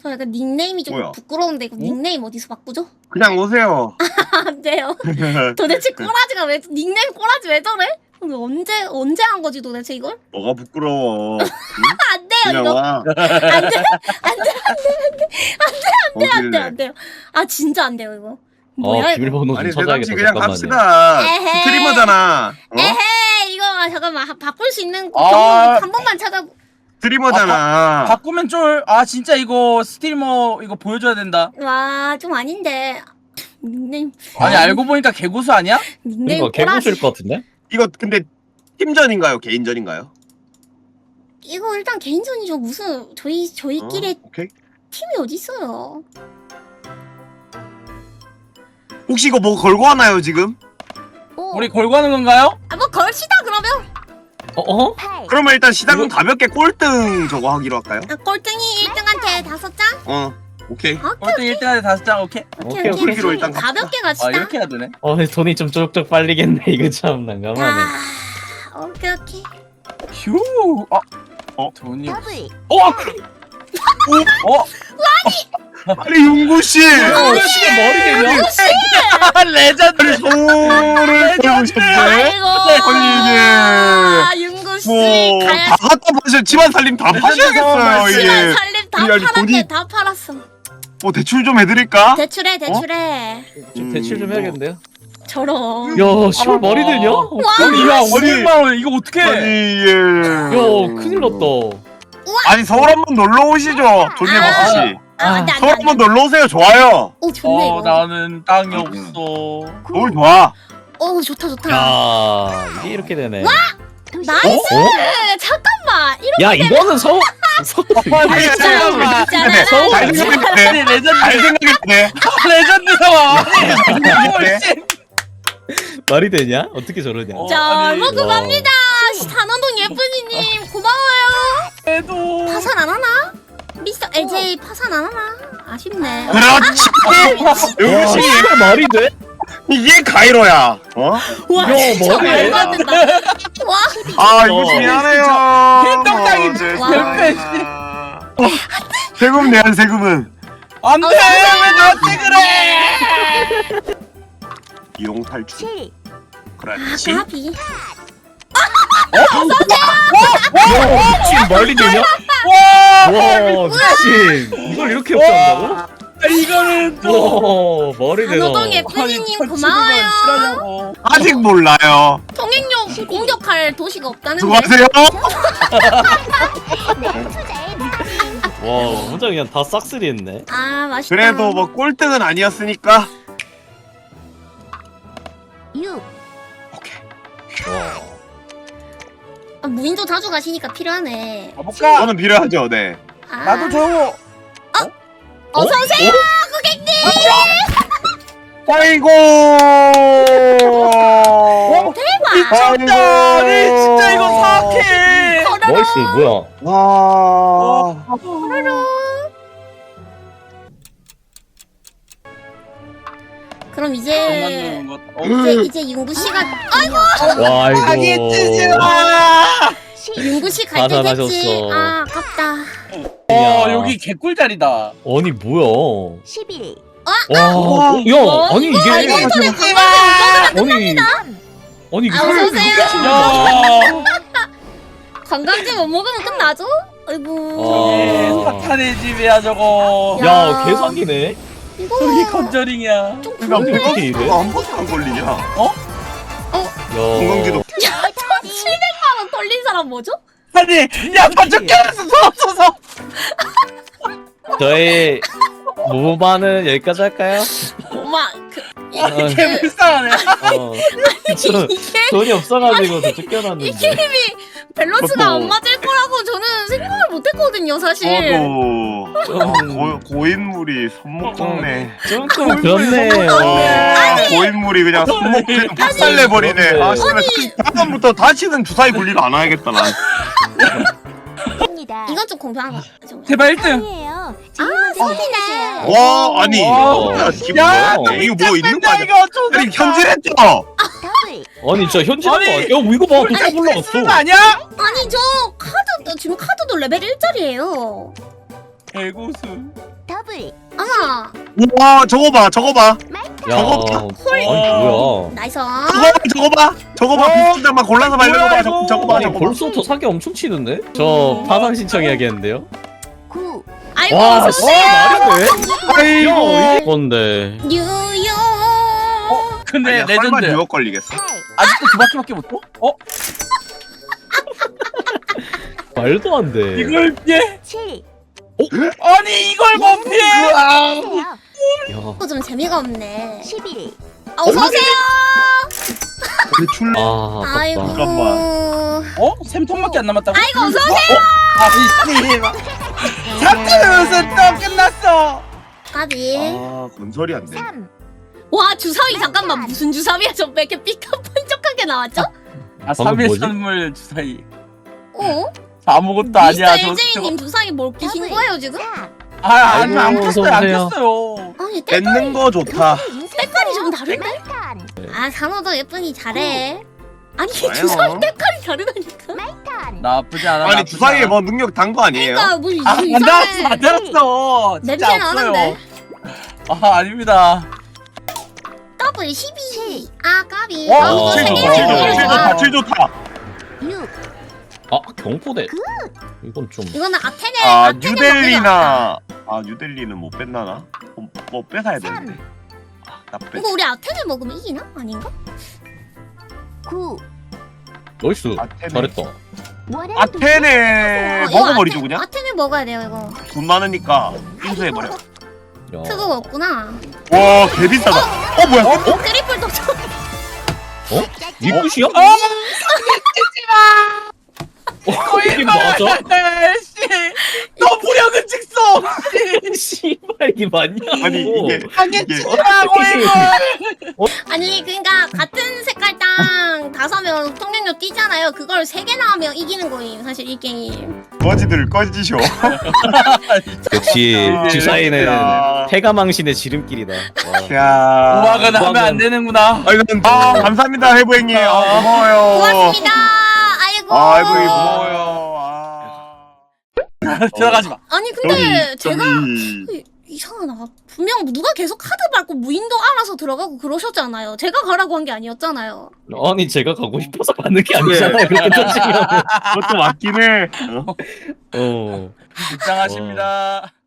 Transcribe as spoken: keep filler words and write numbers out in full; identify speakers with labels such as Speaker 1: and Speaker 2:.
Speaker 1: 저 약간 닉네임이 좀
Speaker 2: 뭐야?
Speaker 1: 부끄러운데 이거 닉네임 어디서 바꾸죠?
Speaker 2: 그냥 오세요.
Speaker 1: 안 돼요. 도대체 꼬라지가 왜 닉네임 꼬라지 왜 저래? 이거 언제 언제 한 거지 도대체 이걸?
Speaker 2: 뭐가 부끄러워? 응?
Speaker 1: 안 돼요
Speaker 2: 그냥
Speaker 1: 이거.
Speaker 2: 와.
Speaker 1: 안 돼. 안 돼. 안 돼. 안 돼. 안 돼. 안 돼. 안 돼요. 아 진짜 안 돼요 이거.
Speaker 3: 어
Speaker 1: 뭐야 이거?
Speaker 3: 비밀번호 좀
Speaker 2: 아니
Speaker 3: 찾아야겠다.
Speaker 2: 대담씨 그냥
Speaker 3: 잠깐만요.
Speaker 2: 갑시다.
Speaker 1: 에헤이.
Speaker 2: 스트리머잖아. 어?
Speaker 1: 에헤이 이거 아, 잠깐만 하- 바꿀 수 있는
Speaker 4: 아.
Speaker 1: 경로 한 번만 찾아.
Speaker 2: 스트리머잖아.
Speaker 4: 바꾸면 쫄. 아 진짜 이거 스트리머 이거 보여줘야 된다.
Speaker 1: 와 좀 아닌데 닉네임
Speaker 4: 아니 알고 보니까 개고수 아니야?
Speaker 1: 닉네임
Speaker 3: 이거
Speaker 1: 꼬라지.
Speaker 3: 개구실 것 같은데?
Speaker 2: 이거 근데 팀전인가요? 개인전인가요?
Speaker 1: 이거 일단 개인전이죠. 무슨 저희 저희끼리
Speaker 2: 어? 오케이.
Speaker 1: 팀이 어디 있어요?
Speaker 2: 혹시 이거 뭐 걸고 하나요 지금?
Speaker 1: 어.
Speaker 4: 우리 걸고 하는 건가요?
Speaker 1: 아뭐 걸시다 그러면.
Speaker 3: 어? 어?
Speaker 2: 그러면 일단 시작은 가볍게 꼴등 저거 하기로 할까요?
Speaker 1: 아, 꼴등이 일 등한테 다섯 장?
Speaker 2: 어. 오케이.
Speaker 1: 오케이
Speaker 4: 꼴등 일 등한테 다섯 장 오케이.
Speaker 1: 오케이
Speaker 3: 오케이,
Speaker 1: 오케이.
Speaker 3: 오케이.
Speaker 2: 로 일단 갑시다.
Speaker 1: 가볍게 갑시다.
Speaker 4: 아 이렇게 해야 되네.
Speaker 3: 어 돈이 좀 쪽쪽 빨리겠네. 이거 참 난감하네.
Speaker 1: 아, 오케이 오케이.
Speaker 4: 휴. 아.
Speaker 2: 어?
Speaker 4: 돈이.
Speaker 1: 아,
Speaker 4: 어. 어.
Speaker 2: 아니 윤구 씨.
Speaker 3: 어, 시계 머리 되냐?
Speaker 4: 아, 레전드.
Speaker 2: 소를 보셨네.
Speaker 1: 아이고.
Speaker 2: 아니
Speaker 1: 아, 윤구 씨.
Speaker 2: 이게
Speaker 1: 가야
Speaker 2: 뭐다 갖다 파셔. 집안 살림 다 파셔야겠어요
Speaker 1: 시간
Speaker 2: 이게.
Speaker 1: 살림 다
Speaker 2: 아니, 아니,
Speaker 1: 팔았네.
Speaker 2: 돈이-
Speaker 1: 다 팔았어.
Speaker 2: 뭐 대출 좀 해드릴까?
Speaker 1: 대출해 대출해.
Speaker 3: 좀 대출 좀 해야겠는데요?
Speaker 1: 저런.
Speaker 3: 야, 시월 머리 되냐? 어,
Speaker 4: 아니 이거 오백만 원 이거 어떻게?
Speaker 2: 아니 예.
Speaker 3: 야, 큰일 났다.
Speaker 2: 아니 서울 한번 놀러 오시죠. 존예
Speaker 1: 아.
Speaker 2: 버스 씨.
Speaker 1: 아, 안돼 안돼
Speaker 2: 서울
Speaker 1: 안돼.
Speaker 2: 한번 놀러 오세요. 좋아요.
Speaker 1: 오 좋네
Speaker 4: 어
Speaker 1: 이거.
Speaker 4: 나는 땅이 없어.
Speaker 2: 서울 좋아.
Speaker 1: 오 좋다 좋다.
Speaker 3: 야, 이게 이렇게 되네.
Speaker 1: 나이스.
Speaker 3: 어?
Speaker 1: 잠깐만. 이렇게
Speaker 3: 야, 이거는 서 서.
Speaker 2: 아니,
Speaker 1: 잠깐만.
Speaker 2: 잘 생각했네.
Speaker 4: 아니 레전드.
Speaker 2: 잘 생각했네.
Speaker 4: 레전드 상황.
Speaker 2: 네.
Speaker 3: 말이 되냐? 어떻게 저러냐?
Speaker 4: 어.
Speaker 1: 자
Speaker 4: 아니,
Speaker 1: 먹고
Speaker 3: 와.
Speaker 1: 갑니다. 단원동 예쁜이님 고마워요.
Speaker 4: 그래도.
Speaker 1: 파산 안 하나? 미스터 엘제이 파산 안 하나? 아쉽네.
Speaker 2: 그렇지.
Speaker 3: 야,
Speaker 2: 역시
Speaker 3: 시월 말이 돼?
Speaker 2: 이게 가이로야. 어?
Speaker 1: 와
Speaker 3: 야,
Speaker 1: 진짜
Speaker 3: 머리.
Speaker 1: 말도 안 된다. 와
Speaker 2: 아 이거
Speaker 3: 어.
Speaker 2: 미안해요.
Speaker 4: 빈떡장이
Speaker 2: 어,
Speaker 4: 몇
Speaker 2: 죄송해요.
Speaker 4: 배,
Speaker 2: 어, 세금 내한 세금은
Speaker 4: 안돼 왜 나한테 그래?
Speaker 2: 이용 탈출. 그렇지.
Speaker 1: 까비.
Speaker 3: 야, 미친 말이 되냐?
Speaker 4: 와.
Speaker 3: 와, 미친. 이걸 이렇게 역전한다고?
Speaker 4: 이거는 또.
Speaker 3: 와, 머리 되나?
Speaker 1: 단호동 예쁜이님 고마워요.
Speaker 4: 싫어하냐고.
Speaker 2: 아직 몰라요.
Speaker 1: 통행료 공격할 도시가 없다는데.
Speaker 2: 수고하세요.
Speaker 3: 와, 혼자 그냥 다 싹쓸이 했네.
Speaker 1: 아 맛있다.
Speaker 2: 그래도 뭐 꼴등은 아니었으니까.
Speaker 1: 유.
Speaker 2: 오케이.
Speaker 3: 와.
Speaker 1: 아, 무인도 자주 가시니까 필요하네.
Speaker 4: 가볼까?
Speaker 2: 저는 필요하죠. 네.
Speaker 1: 아.
Speaker 4: 나도 줘.
Speaker 1: 어서 오세요 고객님.
Speaker 2: 아이고.
Speaker 1: 대박.
Speaker 4: 미쳤다. 아니 진짜 이거 사악해.
Speaker 3: 멋있어, 뭐야?
Speaker 2: 와.
Speaker 1: 그럼 이제
Speaker 4: 어,
Speaker 1: 이제 이제 윤구 씨가 아이고
Speaker 3: 와, 이거.
Speaker 1: 윤구 씨 갈 때 됐지.
Speaker 3: 가산하셨어.
Speaker 1: 아 아깝다.
Speaker 4: 어 여기 개꿀자리다.
Speaker 3: 아니, 뭐야?
Speaker 1: 십일.
Speaker 3: 와,
Speaker 2: 우와.
Speaker 3: 어, 야, 아니 이게
Speaker 1: 아, 이거 인터넷
Speaker 4: 하지
Speaker 3: 아니 아니 이게
Speaker 1: 아, 어서 오세요.
Speaker 4: 야.
Speaker 1: 관광지 못 먹으면 끝나죠?
Speaker 3: 아.
Speaker 1: 아이고.
Speaker 4: 사탄의 집이야 저거.
Speaker 1: 야.
Speaker 3: 야, 개사기네.
Speaker 1: 이거
Speaker 4: 저기 컨저링이야.
Speaker 1: 좀
Speaker 2: 그러니까
Speaker 1: 그런데.
Speaker 3: 어떻게 이래?
Speaker 2: 배가 한 번도 안 걸리냐?
Speaker 3: 야,
Speaker 2: 건강지도.
Speaker 1: 야, 천칠백만 원 털린 사람 뭐죠?
Speaker 4: 아니 야 반죽 껴놨어 손 없어서.
Speaker 3: 저희 무반은 여기까지 할까요?
Speaker 1: 엄마 그
Speaker 3: 어,
Speaker 4: 개 불쌍하네.
Speaker 3: 어, 저
Speaker 1: 이게
Speaker 3: 돈이 없어가지고 저
Speaker 1: 이
Speaker 3: 쫓겨났는데.
Speaker 1: 게임이 밸런스가
Speaker 2: 저도.
Speaker 1: 안 맞을 거라고 저는 생각을 못했거든요 사실.
Speaker 2: 저도
Speaker 3: 좀,
Speaker 2: 고, 고인물이 손목 꺾네.
Speaker 3: 좀 그렇네요.
Speaker 2: 아, 고인물이 그냥 손목 그냥 박살내버리네.
Speaker 3: 아니.
Speaker 2: 아, 씨발. 다음부터 다시는 주사위 굴리러 안 와야겠다, 난.
Speaker 1: 이건 좀 공평한 거 같죠.
Speaker 4: 제발 일 등.
Speaker 1: 아 소리네.
Speaker 2: 와, 아니.
Speaker 4: 와.
Speaker 2: 이게
Speaker 4: 야,
Speaker 2: 뭐야? 이거 뭐 있는 거 아니야?
Speaker 4: 이거 좀.
Speaker 2: 아니, 현질했죠?
Speaker 3: 아니 진짜 현질한 거
Speaker 4: 아니,
Speaker 3: 아니야? 야, 이거 봐, 깜짝
Speaker 4: 쓰는 거
Speaker 3: 올라갔어.
Speaker 4: 아니야?
Speaker 1: 아니 저 카드 지금 카드도 레벨 일짜리예요.
Speaker 4: 개고수.
Speaker 5: 더블.
Speaker 1: 아
Speaker 2: 와 저거 봐 저거 봐
Speaker 3: 야,
Speaker 2: 저거
Speaker 3: 아니 뭐야?
Speaker 1: 나이스.
Speaker 2: 저거 봐 저거 봐 저거 봐
Speaker 4: 어?
Speaker 2: 비스장만 골라서 말리는 거 봐 저거 저거 봐
Speaker 3: 아니
Speaker 2: 저거 봐
Speaker 3: 벌써부터 사기 엄청 치는데? 저 파산 신청해야겠는데요?
Speaker 5: 구.
Speaker 1: 아이고
Speaker 3: 와,
Speaker 1: 어서
Speaker 3: 씨,
Speaker 1: 오세요.
Speaker 3: 말이 돼?
Speaker 2: 아이고
Speaker 3: 이건데.
Speaker 1: 뉴욕.
Speaker 4: 어? 근데
Speaker 2: 아니야, 설마
Speaker 4: 레전드.
Speaker 2: 뉴욕 걸리겠어?
Speaker 5: 팔.
Speaker 4: 아직도 두 바퀴밖에 못 둬? 어?
Speaker 3: 말도 안 돼.
Speaker 4: 이걸 피해?
Speaker 5: 칠.
Speaker 4: 아니 이걸 못 피해?
Speaker 5: 세요.
Speaker 3: 야.
Speaker 1: 어, 좀 재미가 없네.
Speaker 5: 십일.
Speaker 1: 아, 어서 오세요.
Speaker 2: 대출
Speaker 3: 아,
Speaker 1: 아이고.
Speaker 3: 아깝다.
Speaker 2: 잠깐만.
Speaker 4: 어? 샘통밖에 안 남았다고?
Speaker 1: 아이고 어서 오세요.
Speaker 4: 아니 사투르면서 또 끝났어.
Speaker 1: 까비.
Speaker 2: 아 건설이 안 돼.
Speaker 5: 삼.
Speaker 1: 와 주사위 잠깐만 무슨 주사위야? 저 왜 이렇게 삐까뻔쩍하게 나왔죠?
Speaker 4: 아
Speaker 3: 방금
Speaker 4: 삼 일
Speaker 3: 뭐지?
Speaker 4: 선물 주사위.
Speaker 1: 어?
Speaker 4: 아무것도 아니야.
Speaker 1: 미스터
Speaker 4: 저-
Speaker 1: 엘제이님 주사위 뭘 끼신
Speaker 5: 더블.
Speaker 1: 거예요 지금?
Speaker 5: 사.
Speaker 4: 아 아니 안
Speaker 3: 아이고,
Speaker 4: 켰어요 안
Speaker 3: 어서 오세요.
Speaker 4: 켰어요.
Speaker 1: 아니 때깔이
Speaker 2: 뺏는 거 좋다.
Speaker 1: 때깔이 좀 다른데?
Speaker 5: 마이탄.
Speaker 1: 아 산호도 예쁜이 잘해. 아니
Speaker 2: 좋아요.
Speaker 1: 주사위 때깔이 다르다니까.
Speaker 5: 마이탄.
Speaker 4: 나쁘지 않아.
Speaker 2: 아니
Speaker 4: 나쁘지
Speaker 2: 주사위에
Speaker 4: 않아.
Speaker 2: 뭐 능력 단 거 아니에요?
Speaker 1: 그러니까 뭐
Speaker 4: 아, 안 달았어,
Speaker 1: 이상해.
Speaker 4: 안 달았어. 진짜
Speaker 1: 냄새
Speaker 4: 없어요.
Speaker 1: 나는데.
Speaker 4: 아, 아닙니다.
Speaker 1: 더블 십이. 아 까비.
Speaker 4: 와,
Speaker 1: 아, 이거
Speaker 2: 칠
Speaker 1: 세
Speaker 2: 좋다
Speaker 1: 개를
Speaker 2: 칠 좋다 칠
Speaker 1: 먹으려고.
Speaker 2: 좋다 칠 좋다.
Speaker 5: 육.
Speaker 3: 아, 경포대. 이건 좀.
Speaker 1: 이거는 아테네.
Speaker 2: 아
Speaker 1: 아테네 먹으려고.
Speaker 2: 뉴델리나 아 뉴델리는 못 뺏나나? 뭐, 뭐 뺏어야 되는데. 아, 나 뺏.
Speaker 1: 이거 우리 아테네 먹으면 이기나? 아닌가?
Speaker 5: 구.
Speaker 3: 나이스.
Speaker 2: 아테네.
Speaker 3: 잘했다.
Speaker 5: 원앤
Speaker 2: 아테네
Speaker 1: 어, 이거
Speaker 2: 먹어버리죠
Speaker 1: 아테-
Speaker 2: 그냥.
Speaker 1: 아테네 먹어야 돼요 이거.
Speaker 2: 돈 많으니까 인수해버려.
Speaker 3: 야.
Speaker 1: 그거 없구나.
Speaker 2: 와 개비싸다. 어 뭐야?
Speaker 1: 어? 트리플 도전.
Speaker 3: 어? 니 끝이야?
Speaker 4: 어?
Speaker 3: 어, 이게 맞아?
Speaker 4: 씨, 너 무력은 직성.
Speaker 3: 씨발 이게 맞냐?
Speaker 2: 아니 이게 이게
Speaker 4: 치라고 이거.
Speaker 1: 아니 그러니까 같은 색깔 땅 다섯 명 통행료 뛰잖아요. 그걸 세 개나 하면 이기는 거예요. 사실 이 게임.
Speaker 2: 거지들 꺼지셔.
Speaker 3: 역시
Speaker 2: 아,
Speaker 3: 주사위는
Speaker 2: 야.
Speaker 3: 패가망신의 지름길이다. 와.
Speaker 2: 야.
Speaker 4: 우악은 하면 안 되는구나.
Speaker 2: 아 이건 아 감사합니다 해부행님. 아, 고마워요.
Speaker 1: 고맙습니다. 아이고.
Speaker 2: 아 해부행님 고마워요. 아.
Speaker 4: 들어가지 마.
Speaker 1: 아니 근데
Speaker 2: 여기,
Speaker 1: 제가
Speaker 2: 저기.
Speaker 1: 이상하다. 분명 누가 계속 카드 밟고 무인도 알아서 들어가고 그러셨잖아요. 제가 가라고 한 게 아니었잖아요.
Speaker 3: 아니 제가 가고 싶어서 가는 게 아니잖아요. 그렇게 따지면.
Speaker 2: 그것도 맞긴 해. 어?
Speaker 3: 어.
Speaker 4: 입장하십니다.